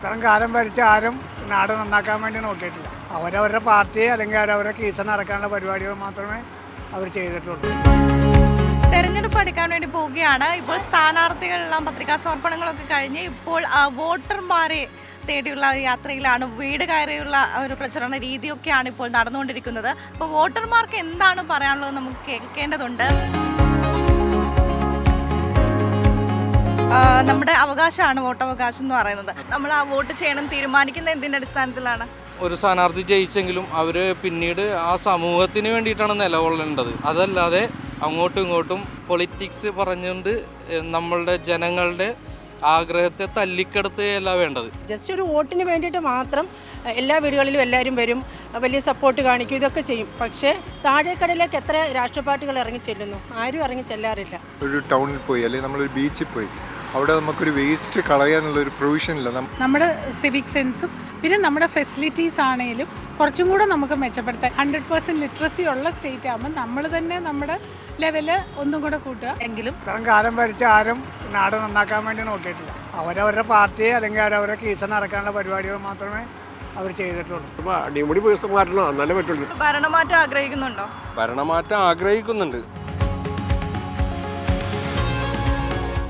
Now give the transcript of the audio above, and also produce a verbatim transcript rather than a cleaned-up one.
ഇത്രയും കാലം ഭരിച്ച ആരും നാട് നന്നാക്കാൻ വേണ്ടി നോക്കിയിട്ടില്ല. അവരവരുടെ പാർട്ടി അല്ലെങ്കിൽ അവരവരുടെ കീസ നടക്കാനുള്ള പരിപാടികൾ മാത്രമേ അവർ ചെയ്തിട്ടുള്ളൂ. തെരഞ്ഞെടുപ്പ് എടുക്കാൻ വേണ്ടി പോവുകയാണ്. ഇപ്പോൾ സ്ഥാനാർത്ഥികളെല്ലാം പത്രികാ സമർപ്പണങ്ങളൊക്കെ കഴിഞ്ഞ് ഇപ്പോൾ വോട്ടർമാരെ തേടിയുള്ള ഒരു യാത്രയിലാണ്. വീട് കയറിയുള്ള ഒരു പ്രചരണ രീതിയൊക്കെയാണ് ഇപ്പോൾ നടന്നുകൊണ്ടിരിക്കുന്നത്. അപ്പോൾ വോട്ടർമാർക്ക് എന്താണ് പറയാനുള്ളത് നമുക്ക് കേൾക്കേണ്ടതുണ്ട്. നമ്മുടെ അവകാശമാണ് വോട്ടവകാശം എന്ന് പറയുന്നത്. നമ്മൾ ആ വോട്ട് ചെയ്യണം തീരുമാനിക്കുന്ന എന്തിൻ്റെ അടിസ്ഥാനത്തിലാണ്? ഒരു സ്ഥാനാർത്ഥി ജയിച്ചെങ്കിലും അവർ പിന്നീട് ആ സമൂഹത്തിന് വേണ്ടിയിട്ടാണ് നിലകൊള്ളേണ്ടത്. അതല്ലാതെ അങ്ങോട്ടും ഇങ്ങോട്ടും പൊളിറ്റിക്സ് പറഞ്ഞുകൊണ്ട് നമ്മളുടെ ജനങ്ങളുടെ ആഗ്രഹത്തെ തല്ലിക്കെടുത്തുകയല്ല വേണ്ടത്. ജസ്റ്റ് ഒരു വോട്ടിന് വേണ്ടിയിട്ട് മാത്രം എല്ലാ വീടുകളിലും എല്ലാവരും വരും, വലിയ സപ്പോർട്ട് കാണിക്കും, ഇതൊക്കെ ചെയ്യും. പക്ഷേ താഴേക്കടയിലേക്ക് എത്ര രാഷ്ട്രീയ പാർട്ടികൾ ഇറങ്ങി ചെല്ലുന്നു? ആരും ഇറങ്ങി ചെല്ലാറില്ല. ഒരു ടൗണിൽ പോയി അല്ലെങ്കിൽ നമ്മളൊരു ബീച്ചിൽ പോയി അവിടെ നമുക്കൊരു വേസ്റ്റ് കളയാനുള്ളൊരു പ്രൊവിഷൻ ഇല്ല. നമ്മുടെ സിവിക് സെൻസും പിന്നെ നമ്മുടെ ഫെസിലിറ്റീസ് ആണെങ്കിലും കുറച്ചും കൂടെ നമുക്ക് മെച്ചപ്പെടുത്താൻ ഹൺഡ്രഡ് പെർസെൻറ്റ് ലിറ്ററസി ഉള്ള സ്റ്റേറ്റ് ആകുമ്പോൾ നമ്മൾ തന്നെ നമ്മുടെ ലെവല് ഒന്നും കൂടെ കൂട്ടുക. എങ്കിലും ഇത്രയും കാലം ഭരിച്ച ആരും നാട് നന്നാക്കാൻ വേണ്ടി നോക്കിയിട്ടില്ല. അവരവരുടെ പാർട്ടി അല്ലെങ്കിൽ അവരവരുടെ കീസ നടക്കാനുള്ള പരിപാടികൾ മാത്രമേ അവർ ചെയ്തിട്ടുള്ളൂ. അടിമുടി മാറ്റണം, എന്നാലേ പറ്റുള്ളൂ. ഭരണമാറ്റം ആഗ്രഹിക്കുന്നുണ്ടോ? ഭരണമാറ്റം ആഗ്രഹിക്കുന്നുണ്ട്.